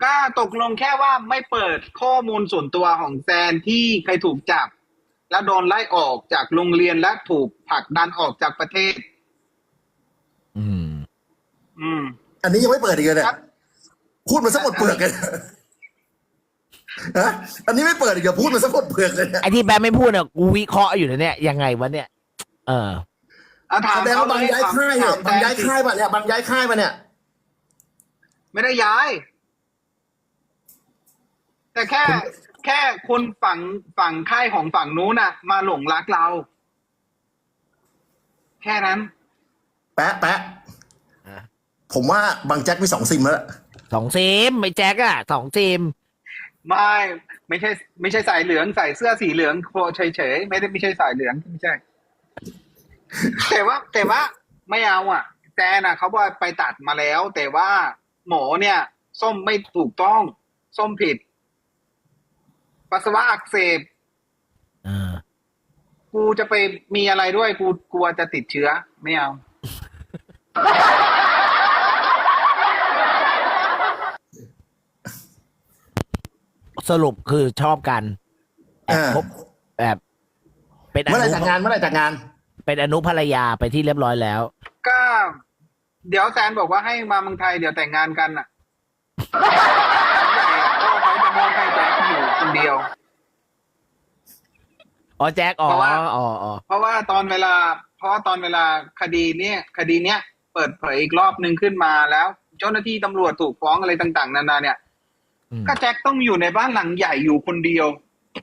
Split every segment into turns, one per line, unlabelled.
ก็ตกลงแค่ว่าไม่เปิดข้อมูลส่วนตัวของแซนที่เคยถูกจับแล้วโดนไล่ออกจากโรงเรียนและถูกผลักดันออกจากประเทศ
อืม
อืม
อันนี้ยังไม่เปิดอีกเลยเนี่
ค
ย
รับ
พูดมาสักหมดเปลือกเลยฮะอันนี้ไม่เปิดอีกเหรอพูดมาสักหมดเปลือกเลยเนี่ย
ไอ้ที่แบงค์ไม่พูดเนี่ยกูวิเคราะห์อยู่นะเนี่ยยังไงวะเนี่ย เออ
เอาถาม
แสดงว่าบางย้ายค่ายเนี่ย
ถม
บางย้าย
แซนสิ
ค่ายมาเนี่ยบางย้ายค่ายมาเนี่ย
ไม่ได้ย้าย แต่แค่คนฝั่งค่ายของฝั่งนู้นน่ะ มาหลงรักเรา แค่นั้น
แปะผมว่าบางแจ็คมี2 ซิมแล้วล่ะ
2 ซิมไม่แจ็คอะ2 ซิม
ไม่ใช่สายเหลืองใส่เสื้อสีเหลืองโคเฉยๆไม่ใช่สายเหลืองไม่ใช่ แต่ว่าไม่เอาอ่ะแซนอ่ะเขาบอกไปตัดมาแล้ว แต่ว่าหมอเนี่ย ส้มไม่ถูกต้อง ส้มผิด ปัสสาวะอักเสบ
อ่า
กูจะไปมีอะไรด้วยกูกลัวจะติดเชื้อ ไม่เอา
สรุปคือชอบกันแอบคบแบบ เป็นอ
เมื่อไหร่
นุ
จากงานเมื่อไหร่จากงาน
เป็นอนุภรรยาไปที่เรียบร้อยแล้ว
ก็เดี๋ยวแซนบอกว่าให้มาเมืองไทยเดี๋ยวแต่งงานกันอ่ะก็เขาจะมองให้แจ็คอยู่คนเดียว
อ๋อแจ็คอ๋อ
เพราะว่า
อ๋อ
เพราะว่าตอนเวลาคดีเนี้ยเปิดเผยอีกรอบหนึ่งขึ้นมาแล้ว เจ้าหน้าที่ตำรวจถูกฟ้องอะไรต่างๆนานาเนี่ย
อืม
ก็แจ็คต้องอยู่ในบ้านหลังใหญ่อยู่คนเดียว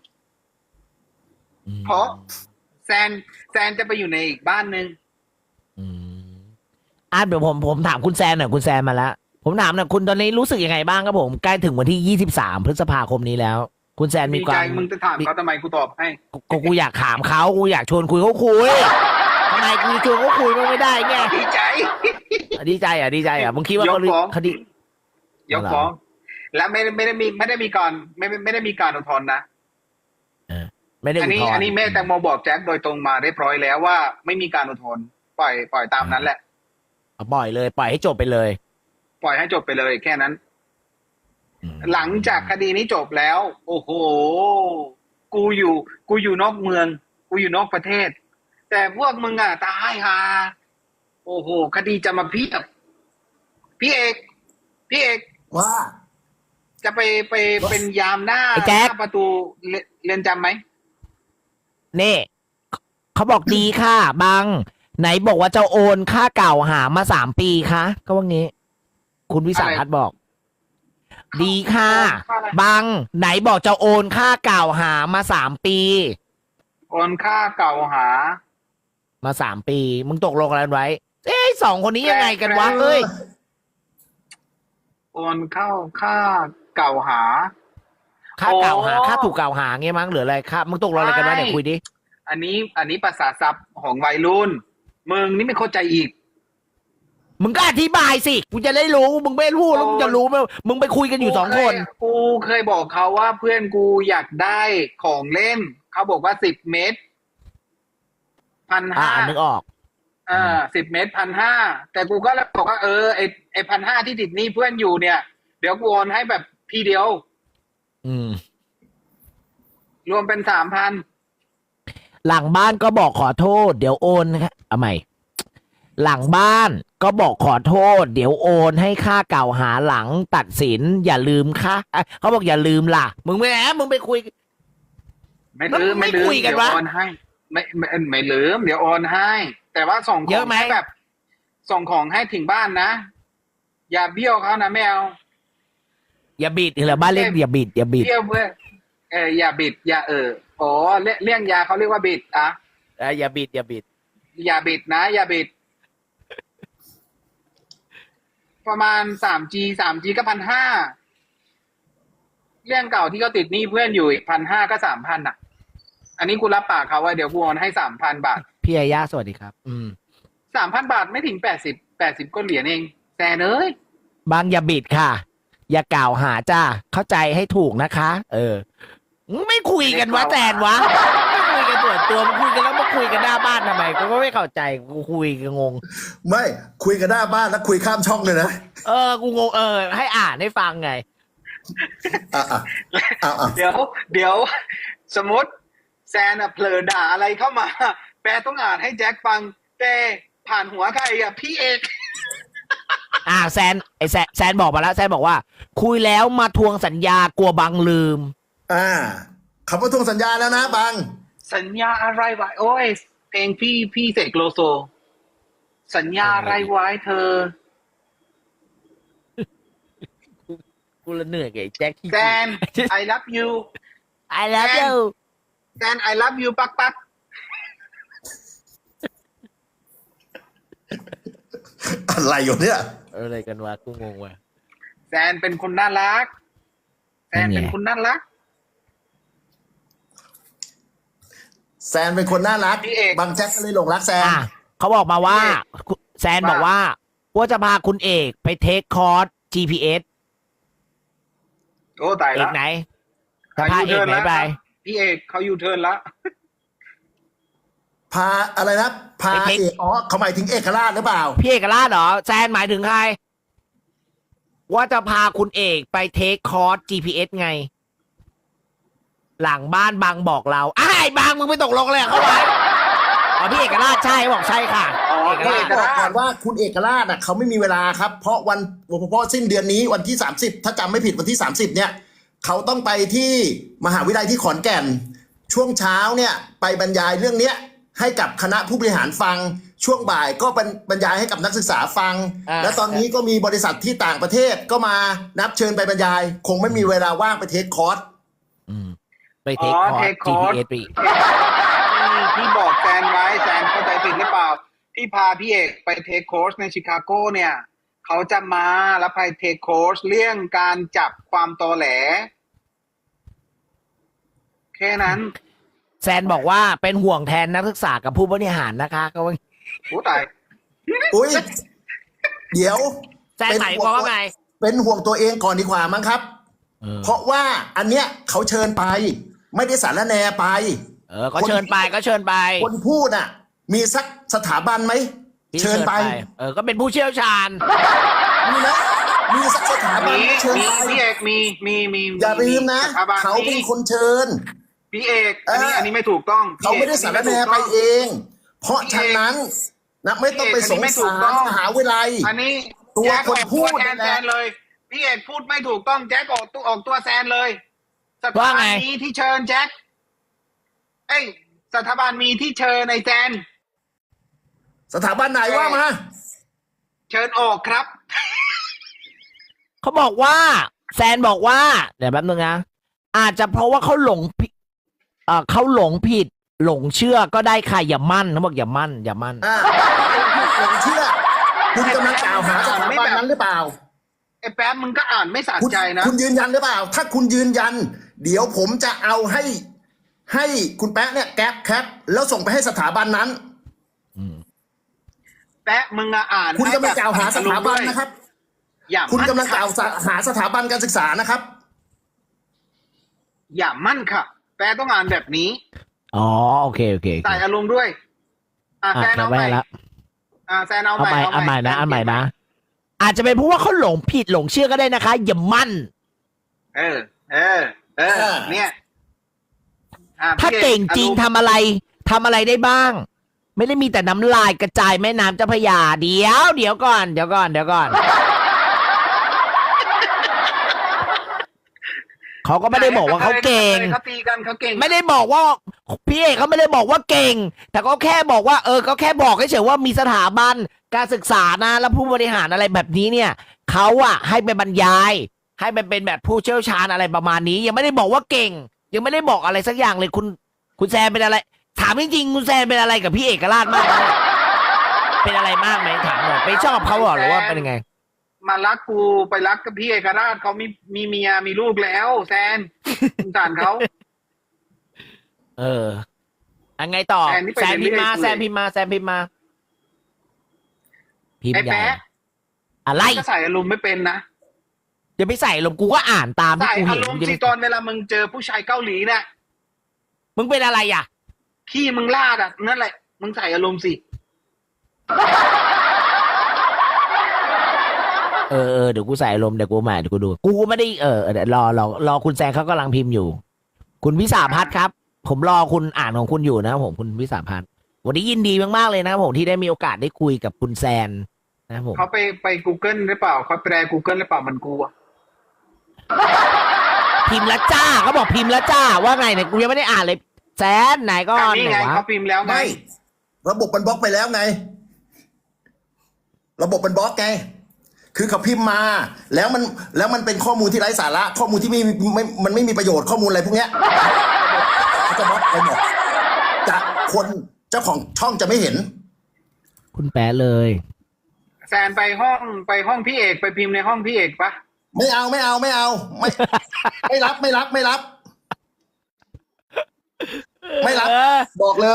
อืม
เพราะแซนจะไปอยู่ในอีกบ้านหนึ่ง
อืมเดี๋ยวผมถามคุณแซนหน่อยคุณแซนมาแล้วผมถามหน่อยคุณตอนนี้รู้สึกยังไงบ้างครับผมใกล้ถึงวันที่23 พฤษภาคมนี้แล้ว คุณแซนมี
ดี
ควา
ใจ
ม
มึงจะถามเขาทำไมกูตอบให้
กูอยากถามเขากูอยากชวนคุยเขาคุยทำไมกูชวนเขาคุยมันไม่ได้ไง
ดีใจ
ดีใจอ่ะมึงคิดว่าเขา
ยกฟ้อง
คดี
ยกฟ้อง และไม่ได้มีการไม่ได้มีการอุทธรณ์นะ
ไม่ได้
อัน
อุท
นี้
ธร
อัน
ณ์
นี้แม่แตงโมบอกแจ็คโดยตรงมาเรียบร้อยแล้วว่าไม่มีการอุทธรณ์ปล่อยตามนั้นแหละ
เอาปล่อยเลยปล่อยให้จบไปเลย
ปล่อยให้จบไปเลยแค่นั้น
อืม
หลังจากคดีนี้จบแล้ว โอ้โห กูอยู่นอกเมือง กูอยู่นอกประเทศ แต่พวกมึงอ่ะตายฮาโอ้โห คดีจะมาเพียบพี่เอก
ว่า
จะไปเป็นยามหน้า
ไอ้แจ็ค
หน้าประตูเรือนจำไหม
นี่เขาบอกดีค่ะบัง ไหนบอกว่าจะโอนค่าเก่าหามา3 ปีคะก็ว่างี้ คุณวิสาพัฒน์บอก ดีค่ะ
ค่าอะไร
บัง ไหนบอกจะโอนค่าเก่าหามา3 ปี
โอนค่าเก่าหา
มา3 ปี มึงตกลงอะไรไว้ เอ้ย2 คนนี้ยังไงกันวะเอ้ย
โอนเข้าค่าเก่าหา
ค่าเก่าหา
โอ้
ค่าถูกกล่าวหาเงี้ยมั้งหรืออะไรค่ามึงตกลงอะไรกันวะเนี่ยคุยดิ
อันนี้ภาษาศัพท์ของวัยรุ่นมึงนี่ไม่เข้าใจอีก
มึงก็อธิบายสิกูจะได้รู้มึงไม่พูดแล้วมึงจะรู้ไหมมึงไปคุยกันอยู่2 คน
กูเคยบอกเขาว่าเพื่อนกูอยากได้ของเล่น เขาบอกว่า10 เมตร 1,500
นึกออก
10 เมตร 1,500แต่กูก็เลยบอกว่าไอ1,500ที่ติดหนี้เพื่อนอยู่เนี่ย เดี๋ยวกูโอนให้แบบทีเดียว
อืม
รวมเป็น3,000
หลังบ้านก็บอกขอโทษ เดี๋ยวโอนครับเอาใหม่ หลังบ้านก็บอกขอโทษ เดี๋ยวโอนให้ค่าเก่าหาหลังตัดสิน อย่าลืมค่ะเขาบอกอย่าลืมล่ะ มึงมึงไปคุย
ไม่ลืม
ไม่คุยกัน
เดี๋ยว
วะ
โอนให้ไม่ลืมเดี๋ยวโอนให้ แต่ว่าส่งข
เย
อง
อะไหม
ให้แบบ ส่งของให้ถึงบ้านนะอย่าเบี้ยวเขานะไม่เอา
อย่าบิดเหรอบ้านเล็กอย่าบิด
เบี้ยวเพื่ออย่าบิดอย่าโอ้เลี่ยงยาเขาเรียกว่าบิดอ่ะ
อย่าบิด
อย่าบิดนะอย่าบิด ประมาณ3G ก็1,500เรื่องเก่าที่เขาติดหนี้เพื่อนอยู่อีก1,500ก็3,000อ่ะ อันนี้กูรับปากเขาว่าเดี๋ยวกูโอนให้3,000 บาท
พี่อาญาสวัสดีครับ
3,000 บาทไม่ถึง80ก็เหรียญเองแซนเอ้ย
บางอย่าบิดค่ะ อย่ากล่าวหาจ้าเข้าใจให้ถูกนะคะ ไม่คุยกันวะแตนวะไม่คุยกันส่วนตัวมันคุยกันแล้วมาคุยกันหน้าบ้านทำไมกูก็ไม่เข้าใจกูคุยกันงง
ไม่คุยกันหน้าบ้านแล้วคุยข้ามช่องเลยนะ
กูงงให้อ่านให้ฟังไง
อ่ะอ่ะอ่ะอ่ะ
เดี๋ยวสมมติแซนอะเผลอด่าอะไรเข้ามา แปลต้องอ่านให้แจ็คฟังแต่ผ่านหัวใครอะพี่เอก
แซนแซนบอกมาแล้วแซนบอกว่า คุยแล้วมาทวงสัญญากลัวบังลืม
คำว่าทวงสัญญาแล้วนะบัง
สัญญาอะไรไว้โอ้ยเพลงพี่เสกโลโซ สัญญาอะไรไว้เธอ
กูละเหนื่อยกับไอ้แจ็คที่
แซน I love you
I love you
แซน I love you ปัก
อะไรอยู่เนี่ย
อะไรกันวะกูงงว่ะ
แซนเป็นคนน่ารัก แซนเป็นคนน่ารัก
แซนเป็นคนน่ารัก
พี่เอก
บางแจ็คก็เลยหลงรักแซน
เขาบอกมาว่า
พี่เอก
แซนบอกว่าจะพาคุณเอกไปเทคคอร์ส GPS
โอ้ตาย
เอ
แล้
ก
ว
ไหนจะพาเอกไหนไป
พี่เอกเขายูเทิร์นแล้ว
พาอะไรนะ พา
ไปเทค
เอกเขาหมายถึงเอกราชหรือเปล่า
พี่เอกราชเหรอแซนหมายถึงใคร ว่าจะพาคุณเอกไปเทคคอร์ส GPS ไง หลังบ้านบางบอกเราไอ้บางมึงไปตกลงเลยเข้าไปอ๋อพี่เอกราชใช่บอกใช่ค่ะ
อ๋อ
เอก
บ
ราช
อกก่อนว่าคุณเอกราชเขาไม่มีเวลาครับ เพราะสิ้นเดือนนี้วันที่30ถ้าจำไม่ผิดวันที่30เนี่ยเขาต้องไปที่มหาวิทยาลัยที่ขอนแก่น ช่วงเช้าเนี่ยไปบรรยายเรื่องเนี้ยให้กับคณะผู้บริหารฟัง ช่วงบ่ายก็เป็นบรรยายให้กับนักศึกษาฟัง และตอนนี้ก็มีบริษัทที่ต่างประเทศก็มานับเชิญไปบรรยาย คงไม่มีเวลาว่างไปเทคคอร์ส
ไปเทคคอร์ส
take course
GPS ไปอีก
ที่บอกแซนไว้แซนเข้าใจผิดหรือเปล่า ที่พาพี่เอกไปเทคโคร์สในชิคาโกเนี่ย เขาจะมาแล้วไปเทคโคร์สเรื่องการจับความตอแหล แค่นั้น
แซนบอกว่าเป็นห่วงแทนนักศึกษากับผู้บริหารนะคะก็ว่า
โอ้ตาย
อุ้ยเดี๋ยว
แซนหมายความว่าไง
เป็นห่วงตัวเองก่อนดีกว่ามั้งครับ เพราะว่าอันเนี้ยเขาเชิญไป ไม่ได้สารแนไป
ก็เชิญไปก็เชิญไป
คนพูดมีสักสถาบันไหมเชิญไป
ก็เป็นผู้เชี่ยวชาญ
มีนะมีสักสถาบัน
มี
ไหมเชิญ
มี
ไป
พี่เอกมี
อย่าลืมนะ
สถาบัน
เขาเป็นคนเชิญ
พี่เอกอันนี้ไม่ถูกต้อง
เขาไม่ได้สารแนไปเอง เพราะฉะนั้นไม่ต้องไปสงสารมหาวิทยาลัย
อันนี้
ตัว
แจ็ค
คนพูด
แทน
นั่นแห
แซ
ละ
นเลย พี่เอกพูดไม่ถูกต้องแจ็คออกตัวแซนเลยสถา
ว่า
บัน
ไง
นี้ที่เชิญแจ็คสถาบันมีที่เชิญในแซน
สถาบันไหนว่ามา
เชิญออกครับ
เขาบอกว่า แซนบอกว่า เดี๋ยวแป๊บนึงนะอาจจะเพราะว่าเขาหลงผิดเขาหลงผิด หลงเชื่อก็ได้ค่ะอย่ามั่นเขาบอกอย่ามั่นอย่ามั่น
หลงเชื่อ คุณกำลังกล่าวหาสถาบันนั้นหรือเปล่า
ไอ้แป๊บมึงก็อ่านไม่สะ
คุณ
ใจนะ
คุณยืนยันหรือเปล่า ถ้าคุณยืนยัน เดี๋ยวผมจะเอาให้คุณแป๊ะเนี่ยแก๊ปแคปแล้วส่งไปให้สถาบันนั้น
แป๊ะมึงอะอ่าน
คุณกำลังกล่าวหาสถาบันนะครับ
อย่า
คุณ
มั่น
กำลังกล่าวหาสถาบันการศึกษานะครับ
อย่ามั่นค่ะ แป๊ะต้องอ่านแบบนี้
อ๋อโอเค
ใส่อารมณ์ด้วยแซนเอาใหม่
แล้ว
แซนเอา
เอา
ใหม่
ใหม่นะเอาใหม่นะ อาจจะเป็นเพราะว่าเขาหลงผิดหลงเชื่อก็ได้นะคะ อย่ามั่น
เออ เนี่ย
ถ้า
พี่อก
เก่งจริง
อารมณ์
ทำอะไรได้บ้าง ไม่ได้มีแต่น้ำลายกระจายแม่น้ำเจ้าพระยาเดี๋ยวก่อน เขาก็ไม่ได้บอกว่าเขาเก่ง
เขาตีกันเขาเก่ง
ไม่ได้บอกว่าพี่เอกเขาไม่ได้บอกว่าเก่ง แต่ก็แค่บอกว่าก็แค่บอกเฉยๆว่ามีสถาบันการศึกษานะแล้วผู้บริหารอะไรแบบนี้เนี่ยเขาให้ไปบรรยาย ให้ไปเป็นแบบผู้เชี่ยวชาญอะไรประมาณนี้ ยังไม่ได้บอกว่าเก่ง ยังไม่ได้บอกอะไรสักอย่างเลยคุณแซนเป็นอะไร ถามจริงๆคุณแซนเป็นอะไรกับพี่เอกราชมากไหมเป็นอะไรมากไหมถามหน่อยไปชอบเขาเหรอหรือว่าเป็นยังไง
มารักกูไปรักกับพี่เอกราชเขามีเมียมีลูกแล้วแซนสงสารเขา
อันไงต่อ
แซนนี่ไป
แซน
เรื่
พิ
อย
มพ์มาแซนพิมพ์มาพิม
ไอ้
พ์ใหญ่
แป๊ะ
อะไร
ก็ใส่อารมณ์ไม่เป็นนะ
อย่าไปใส่ลมณ์กูก็อ่านตามที่
ใส่
กู
อา
เห็น
รมณ์
อย่า
สิ
ไป
ตอนเวลามึงเจอผู้ชายเกาหลีเนี่ย
มึงเป็นอะไรอ่ะ
ขี้มึงลาดนั่นแหละ มึงใส่อารมณ์สิ
เดี๋ยวกูใส่อารมณ์เดี๋ยวกูใหม่เดี๋ยวกูดู กูไม่ได้เดี๋ยวรอคุณแซงเขากำลังพิมพ์อยู่ คุณวิสาพัฒน์ครับ ผมรอคุณอ่านของคุณอยู่นะครับผมคุณวิสาพัฒน์วันนี้ยินดีมากๆเลยนะครับผมที่ได้มีโอกาสได้คุยกับคุณแซนนะครับผม
เขาไป Google หรือเปล่าเขาแปล Google หรือเปล่ามันกูอะ
พิมพ์แล้วจ้าเขาบอกพิมพ์แล้วจ้าว่าไงเนี่ยกูยังไม่ได้อ่านเลยแซนไหนก็
นี่
ไหน
ไง
วะ
เขาพิมพ์แล้วไง
ไม่ระบบมันบล็อกไปแล้วไง ระบบมันบล็อกไง คือเขาพิมพ์มา แล้วมันเป็นข้อมูลที่ไร้สาระข้อมูลที่มันไม่มีประโยชน์ข้อมูลอะไรพวกเนี้ยเขาจะบล็อกไปหมดจะคนเจ้าของช่องจะไม่เห็น
คุณแปะเลย
แซนไปห้องพี่เอกไปพิมพ์ในห้องพี่เอกปะ
ไม่เอาไม่รับ ไม่รับ บอกเลย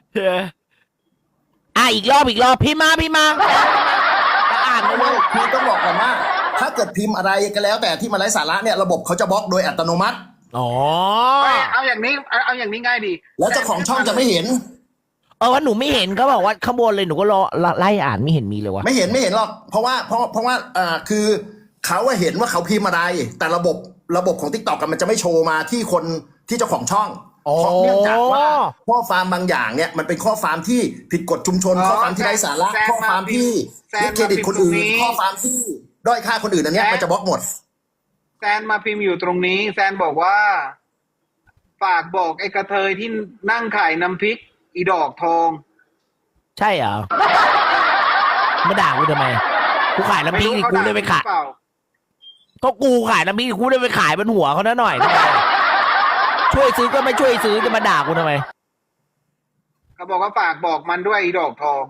อีกรอบพิมพ์มาอ่านไปเลย
คือต้องบอกก่อนว่า ถ้าเกิดพิมพ์อะไรก็แล้ว แต่ที่มันไร้สาระเนี่ยระบบเขาจะบล็อกโดยอัตโนมัติ
อ๋อ
เอาอย่างนี้ง่ายดี
แล้วเจ้าของช่องจะไม่เห็น
ว่าหนูไม่เห็นเขาบอกว่าข้างบนเลยหนูก็รอไล่อ่านไม่เห็นมีเลยวะ
ไม่เห็นหรอกเพราะว่าคือเขาเห็นว่าเขาพิมพ์อะไร แต่ระบบของ TikTok กันมันจะไม่โชว์มาที่คนที่เจ้าของช่องเพราะเนื่องจากว่าข้อความบางอย่างเนี่ยมันเป็นข้อความที่ผิดกฎชุมชนข้อความที่ไร้สาระข้อความที่ดิสเครดิตคนอื่นข้อความที่ด้อยค่าคนอื่นอันเนี้ยมันจะบล็อกหมด
แซนมาพิมพ์อยู่ตรงนี้แซนบอกว่า ฝากบอกไอ้กระเทยที่นั่งขายน้ำพริกอีดอกทอง
ใช่เหรอมาด่ากูทำไมกูขายน้ำพริกกูได้ไปขายก็กูขายน้ำพริกกูได้ไปขายบนหัวเขาหน่อยทำไมช่วยซื้อก็ไม่ช่วยซื้อจะมาด่ากูทำไม
เขาบอกว่าฝากบอกมันด้วยอีดอกทอง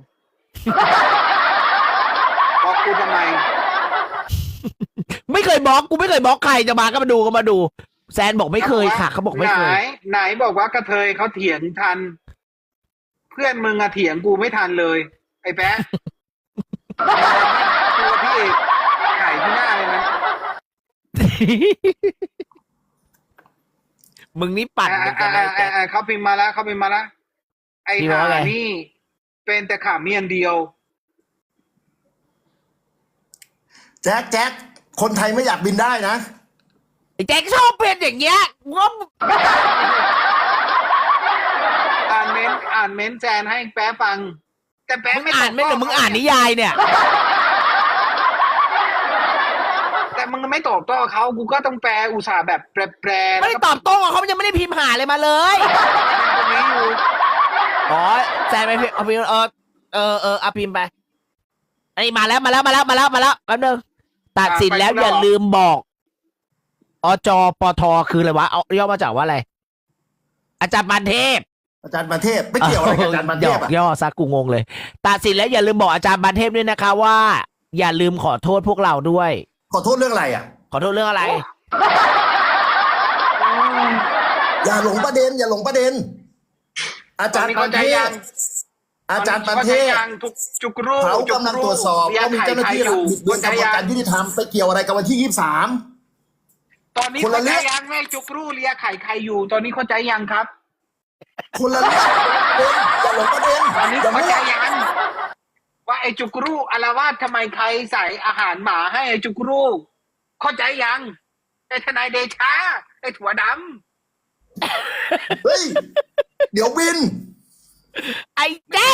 บอกกูทำไม
ไม่เคยบล็อกกูไม่เคยบล็อกใครจะมาก็มาดูแซนบอกไม่เคยค่ะเขาบอกไม่เคย
ไหนบอกว่ากระเทยเขาเถียงทัน เพื่อนมึงอะเถียงกูไม่ทันเลย ไอ้แป๊ะ ตัวพี่เอกไข่ที่หน้าเลยนะ
มึงนี่ปั่นกันนะแก
เขาพิมพ์มาแล้วไอ้
พิมพ์ว่าไง
ห่านี่เป็นแต่ขาเมียนเดียว
แจ็คคนไทยไม่อยากบินได้นะ
ไอ้แจ็คชอบเป็นอย่างเงี้ยงบ
อ่านเม้นแจนให้แป๊ะฟัง แต่แป๊ะ
มึง
ไม่
อ่านไม่หรือมึงอ่านนิยายเนี่ย
แต่มึงไม่ตอบโต้เขากูก็ต้องแปลอุตส่าห์แบบแปล
ไม่ได้ตอบโต้เขายังไม่ได้พิมพ์หาเลยมาเลย
ตรงนี้อยู่
อ๋อแซนไปพิมพ์เอาพิมพ์เอาพิมพ์ไปไอ้มาแล้วแป๊บนึงตัดสินแล้วอย่าลืมบอกอจปทคืออะไรวะเอาย่อมาจากว่าอะไร อาจารย์ปานเทพ
อาจารย์ประเทศไม่เกี่ยวอะไรกับอาจารย์ประเทศอะ
ย่อซักกูงงเลยตัดสินแล้วอย่าลืมบอกอาจารย์ปานเทพด้วยนะคะว่า อย่าลืมขอโทษพวกเราด้วย
ขอโทษเรื่องอะไรอ่ะ
ขอโทษเรื่องอะไร
อย่าหลงประเด็น อาจารย์ประเทศ
จุกรู
เขากำลังตรวจสอบว่ามีเจ้าหน้าที่รัฐบิดเบือนกระบวนการยุติธรรมไปเกี่ยวอะไรกับวันที่ 23
ตอนนี้เข้าใจยังแม่จุกรูเลียไข่ใครอยู่ ตอนนี้เข้าใจยังครับ
คนละเรื่องอย่าหลงประเด็น
ตอนนี้
อย่า
เข้า
มั่
ใจ
ว
ยังว่าไอ้จุกรูอารวาสทำไมใครใส่อาหารหมาให้ไอ้จุกรูเข้าใจยังไอ้ทนายเดชาไอ้ถั่วด
เฮ้ย เดี๋ยวบิน
ไอ้แจ็ค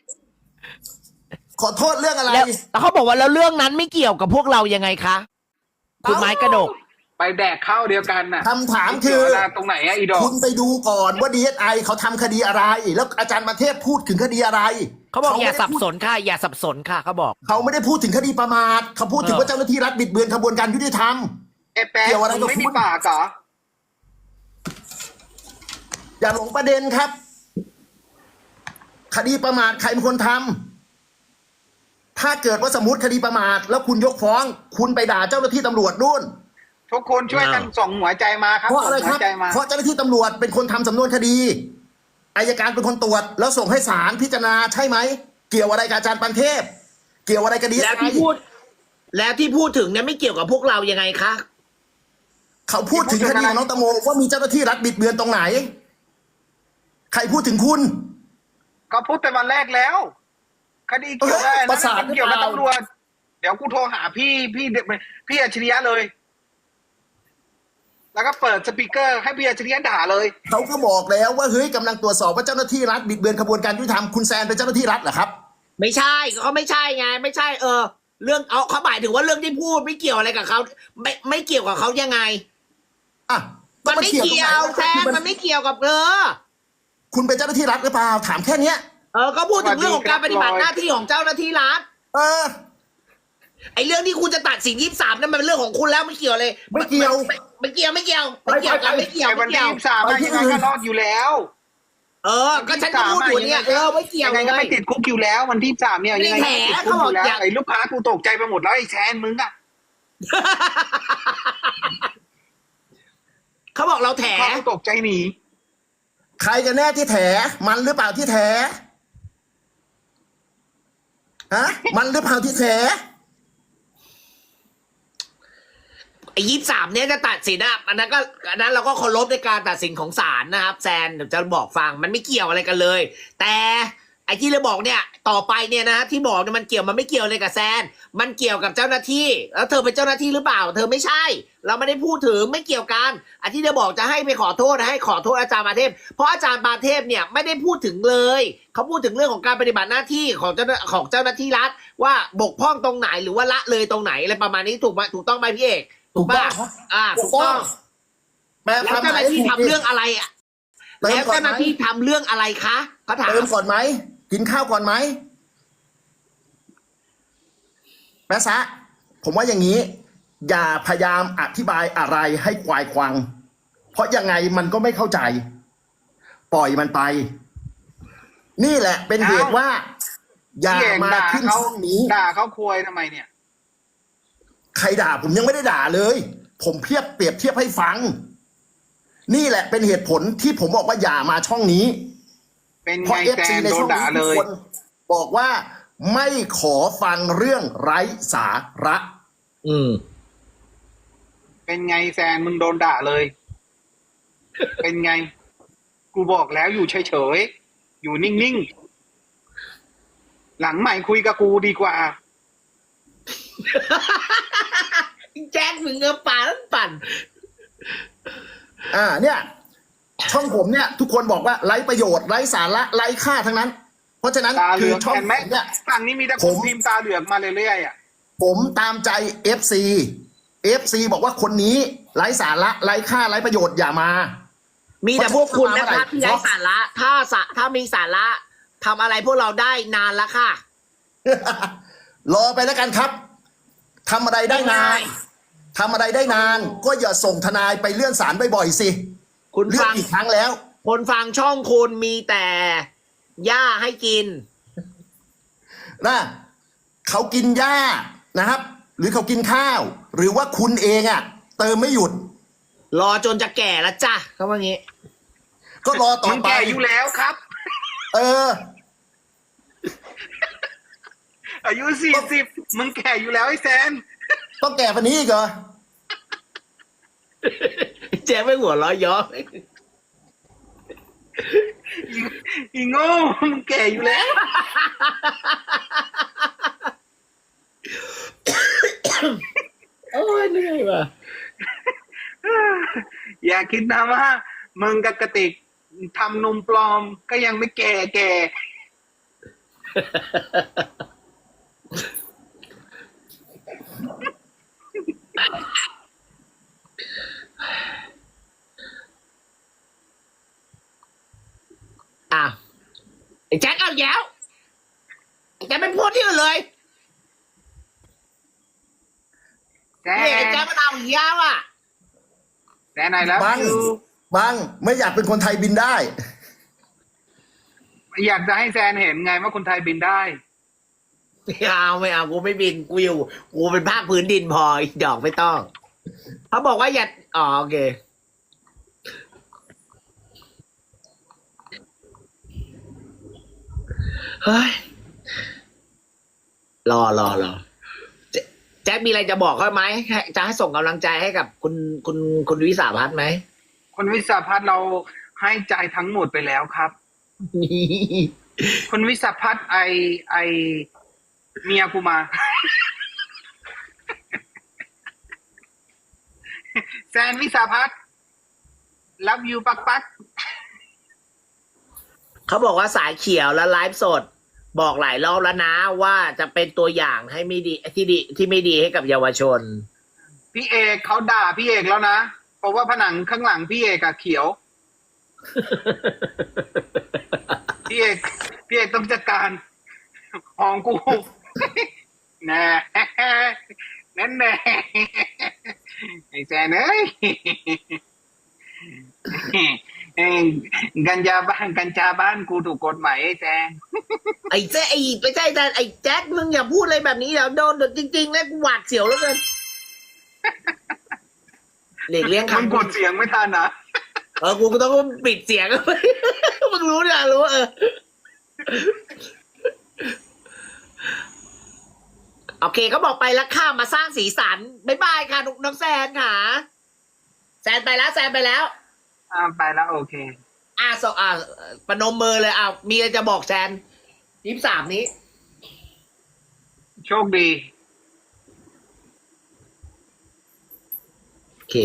ขอโทษเรื่องอะไร
แล้วเขาบอกว่าแล้วเรื่องนั้นไม่เกี่ยวกับพวกเรายังไงคะคุณไม้กระดก
ำไปแดกข้าวเดียวกันน่ะ
คำถามคือ
ตรงไหนอะอีดอก
คุณไปดูก่อนว่า DSI เขาทำคดีอะไร แล้วอาจารย์ประเทศพูดถึงคดีอะไร
เขาบอกอย่า
ไม่ได้
สับ
พูด
สนค่ะอย่าสับสนค่ะเขาบอก
เขาไม่ได้พูดถึงคดีประมาทเขาพูดถึงว่าเจ้าหน้าที่รัฐบิดเบือนกระบวนการยุติธรรม
ไอ้แป๊ะ
เกี่ยวอะไรกับ
มึงไม่
คุ
มี
ณ
ปากเหรอ
อย่าหลงประเด็นครับ คดีประมาทใครเป็นคนทำถ้าเกิดว่าสมมติคดีประมาทแล้วคุณยกฟ้อง คุณไปด่าเจ้าหน้าที่ตำรวจนู่น
ทุกคนช่วยกันส่งหัวใจมาครับ
เพราะอะไร
ส่ง
ค
หั
รั
ว
บ
ใจมา
เพราะเจ้าหน้าที่ตำรวจเป็นคนทำสำนวนคดีอายการเป็นคนตรวจ แล้วส่งให้ศาลพิจารณาใช่ไหมเกี่ยวอะไรกับอาจารย์ปันเทพ เกี่ยวอะไรกับ
แล้วที่พูดถึงเนี่ยไม่เกี่ยวกับพวกเรายังไงคะ
เขาพูดถึงคดีของน้องตะโมว่ามีเจ้าหน้าที่รัฐบิดเบือนตรงไหน ใครพูดถึงคุณ
ก็พูดแต่วันแรกแล้ว คดีเกี่ยวกับ
ประสาท
เกี่ยวกับตำรวจเดี๋ยวกูโทรหาพี่อัจฉริยะเลย แล้วก็เปิดสปีกเกอร์ให้พี่อัจฉริยะด่าเลย
เขาก็บอกแล้วว่าเฮ้ยกำลังตรวจสอบว่าเจ้าหน้าที่รัฐบิดเบือนกระบวนการยุติธรรมคุณแซนเป็นเจ้าหน้าที่รัฐเหรอครับ
ไม่ใช่เขาไม่ใช่ไงไม่ใช่เรื่องเอาเขาหมายถึงว่าเรื่องที่พูดไม่เกี่ยวอะไรกับเขาไม่เกี่ยวกับเขายังไง
อ่ะ
มันไม่เกี่ยวแซมมันไม่เกี่ยวกับเธอ
คุณเป็นเจ้าหน้าที่รัฐหรือเปล่าถามแค่เนี้ย
ก็พูดถึงเรื่องของการปฏิบัติหน้าที่ของเจ้าหน้าที่รัฐ
เออ
ไอ้เรื่องที่คุณจะตัดสิน23นั่นมันเป็นเรื่องของคุณแล้วไม่เกี่ยวเลย
ไม่เกี่ยว
ไม่เกี่ยวกันไม่เกี่ยว
ไอ้วันที่23อะยังไงก็รอดอยู่แล้ว
ก็ฉันก็พูดอยู่เนี่ยไม่เกี่ยว
ยังไงก็ไม่ติดคุกอยู่แล้ว วันที่23เนี่ยยังไงก็ไม่ติดคุกอยู่แล้วไอ้ลูกค้ากูตกใจไปหมดแล้วไอ้แซนมึงอะ
เขาบอกเราแถ
ลูกค้ากูตกใจหนี
ใครกันแน่ที่แถมันหรือเปล่าที่แถฮะมันหรือเปล่าที่แถ
ไอ้23เนี่ยจะตัดสินอ่ะอันนั้นเราก็เคารพในการตัดสินของศาลนะครับแซนเดี๋ยวจะบอกฟังมันไม่เกี่ยวอะไรกันเลย แต่ไอ้ที่เราบอกเนี่ยต่อไปเนี่ยนะที่บอกเนี่ยมันไม่เกี่ยวเลยกับแซนมันเกี่ยวกับเจ้าหน้าที่แล้วเธอเป็นเจ้าหน้าที่หรือเปล่าเธอไม่ใช่ เราไม่ได้พูดถึงไม่เกี่ยวกันไอ้ที่เราบอกจะให้ไปขอโทษให้ขอโทษอาจารย์ปาเทพเพราะอาจารย์ปาเทพเนี่ยไม่ได้พูดถึงเลยเขาพูดถึงเรื่องของการปฏิบัติหน้าที่ของเจ้าหน้าที่รัฐว่าบกพร่องตรงไหนหรือว่าละเลยตรงไหนอะไรประมาณนี้ถูกต้องไหมพี่เอกถูกป่ะถูกต้อง
แปล
แล้ว
ความห
เจ้าม
าย
หน้าที่ทำเรื่องอะไรอ่ะ
เติม
แล้ว
ก่อน
เจ้าห
ไหม
น้าที่ทำเรื่องอะไรคะเขาถาม
เติมก่อนไหมกินข้าวก่อนไหมแม่ซะผมว่าอย่างนี้ อย่าพยายามอธิบายอะไรให้ควายควัง เพราะยังไงมันก็ไม่เข้าใจ ปล่อยมันไป นี่แหละเป็นเหตุว่า อย่า
พี่เอก
มา
ด่า
ขึ้น
เขา
ช่องนี้
ด่าเขาควยทำไมเนี่ย
ใครด่าผมยังไม่ได้ด่าเลย ผมเปรียบเทียบให้ฟัง นี่แหละเป็นเหตุผลที่ผมบอกว่าอย่ามาช่องนี้
เป็น
เพราะ
ไง
เอฟ
แซ
ซี
น
ใน
โด
ช่
น
อง
ด่า
นี้
เล
ทุก
ย
คนบอกว่าไม่ขอฟังเรื่องไร้สาระ
อืม
เป็นไงแซนมึงโดนด่าเลย เป็นไง กูบอกแล้วอยู่เฉยๆอยู่นิ่งๆหลังใหม่คุยกับกูดีกว่า
แจ็คมึงปั่น
เนี่ย ช่องผมเนี่ย ทุกคนบอกว่าไร้ประโยชน์ไร้สาระไร้ค่าทั้งนั้น เพราะฉะนั้น
ตาเห
คื
ลื
อ
อง
ช่อง
เห็นไหม
ผมเนี่ย
ฝั่งนี้มีแต่คนพิมพ์ตาเหลืองมาเรื่อยๆอ่ะ
ผมตามใจ FC บอกว่าคนนี้ไร้สาระไร้ค่าไร้ประโยชน์อย่ามา
มีแต่พวกคุณนะ
เพราะ
คะที่ไร้สาระถ้ามีสาระทำอะไรพวกเราได้นานแล้วค่ะ
รอไปแล้วกันครับทำอะไรได้นานทำอะไรได้นาน ก็อย่าส่งทนายไปเลื่อนศาลบ่อยๆสิ
คุณ
เลื่อ
ฟั
น
ง
อีกครั้งแล้ว
คนฟังช่องคุณมีแต่หญ้าให้กิน
นะเขากินหญ้านะครับ หรือเขากินข้าว หรือว่าคุณเองเติมไม่หยุด
รอจนจะแก่แล้วจ้ะเขาว่างี้
ก็รอต่อ
มึง
ไป
แก่อยู่แล้วครับ
เออ
อายุ40มึงแก่อยู่แล้วไอ้แซน
ต้องแก่ปันนี้อีกเหรอ
แจ๊คไม่หัวเราะย้อ
อีโง่มึงแก่อยู่แล้ว
โอ้ยเหนื่อยว่ะ
อย่าคิดนะว่ามึงกับกระติกทำนมปลอมก็ยังไม่แก่
อ้าวไอ้แจ็คเอาแย้วไอ้แจ็คไม่พูดที่อื่นเลย
แซ
นี่ไอ้
น
แจ็คมันเอาอีกแล้วอ่ะ
แซนไหนแล้ว
บัง บังไม่อยากเป็นคนไทยบินได้
อยากจะให้แซนเห็นไงว่าคนไทยบินได้
ไม่เอากูไม่บินกูเป็นภาคพื้นดินพออีกดอกไม่ต้องเขาบอกว่าอย่าโอเคเฮ้ยรอแจ็คมีอะไรจะบอกเขาไหมจะให้ส่งกำลังใจให้กับคุณวิสาพัฒน์ไหม
คนวิสาพัฒน์เราให้ใจทั้งหมดไปแล้วครับ คนวิสาพัฒน์ไอเมียกูมาแซนวิสาพัฒน์ love you ปักปัก
เขาบอกว่าสายเขียวและไลฟ์สด บอกหลายรอบแล้วนะว่าจะเป็นตัวอย่างให้ไม่ดีที่ไม่ดีให้กับเยาวชน
พี่เอกเขาด่าพี่เอกแล้วนะ เพราะว่าผนังข้างหลังพี่เอกอะเขียว พี่เอกต้องจัดการของกู แน่แน่แน่ไอ้แซนเอ้ย กัญชาบ้านกูถูกกฎหมายไอ้แซน
ไอ้แจ๊ไอ้ไม่ใช่แต่ไอ้แจ็คมึงอย่าพูดอะไรแบบนี้เดี๋ยวโดนเดี๋ยวจริงๆแล้วกูหวาดเสียวแล้วเกินหลีกเลี่ยง
มึง
คำ
กดเสียงไม่ทันนะ
กูก็ต้องปิดเสียง มึงรู้เนี่ยรู้โอเคเขาบอกไปแล้วข้ามมาสร้างสีสันบ๊ายบายค่ะน้องแซนค่ะแซนไปแล้ว
ไปแล้วโอเค
ประนมมือเลยมีอะไรจะบอกแซน23นี้
โชคดี
โอเค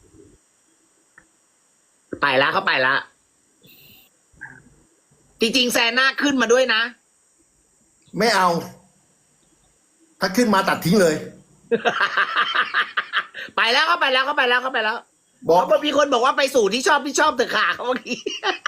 ไปแล้วเขาไปแล้ว จริงๆแซนหน้าขึ้นมาด้วยนะ
ไม่เอา ถ้าขึ้นมาตัดทิ้งเลย
ไปแล้วเขาไปแล้ว
บอก
เขามีคนบอกว่าไปสู่ที่ชอบเถอะค่ะเขาเมื่อกี้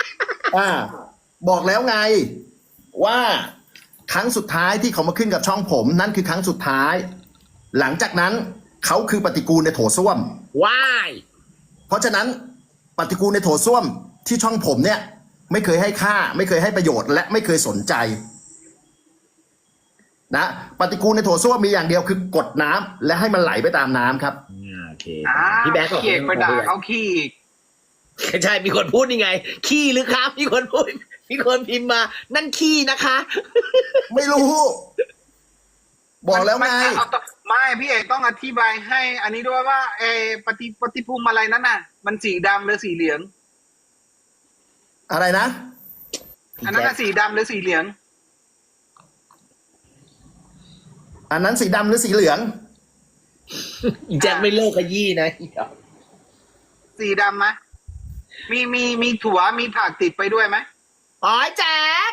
บอกแล้วไง ว่าครั้งสุดท้ายที่เขามาขึ้นกับช่องผม นั่นคือครั้งสุดท้าย หลังจากนั้นเขาคือปฏิกูลในโถส้วม
ว้าย
เพราะฉะนั้นปฏิกูลในโถส้วมที่ช่องผมเนี่ย ไม่เคยให้ค่า ไม่เคยให้ประโยชน์ และไม่เคยสนใจนะปฏิกูลในโถส้วมมีอย่างเดียวคือกดน้ำและให้มันไหลไปตามน้ำครับ
โอเค
พี่แบ๊กเอกไปด่าเขาขี้อีก
ใช่มีคนพูดยังไง ขี้หรือครับมีคนพูดมีคนพิมพ์มา นั่นขี้นะคะ
ไม่รู้ บอกแล้วไง
ไม่พี่เอกต้องอธิบายให้ อันนี้ด้วยว่าปฏิภูมิอะไรนั้นน่ะ มันสีดำหรือสีเหลือง
อะไรนะ
อันนั้นน่ะสีดำหรือสีเหลือง
อันนั้นสีดำหรือสีเหลือง
อีแจ็คไม่เลิกขยี้นะ
สีดำไหมมีถั่วมีผักติดไปด้วยไหม
อ๋อแจ็ค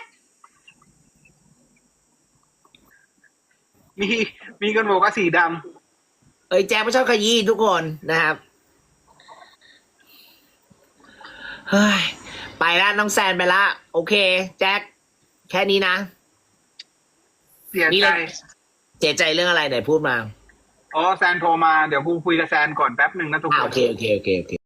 มีคนบอกว่าสีด
แจ็คไม่ชอบขยี้ทุกคนนะครับเฮ้ยไปละน้องแซนไปละโอเค แจ็คแค่นี้นะ
ำเสีย
นี่
ใจ
เลย เสียใจเรื่องอะไรไหนพูดมา
อ๋อแซนโทรมาเดี๋ยวกูคุยกับแซนก่อนแป๊บหนึ่งนะทุกคน
โอเค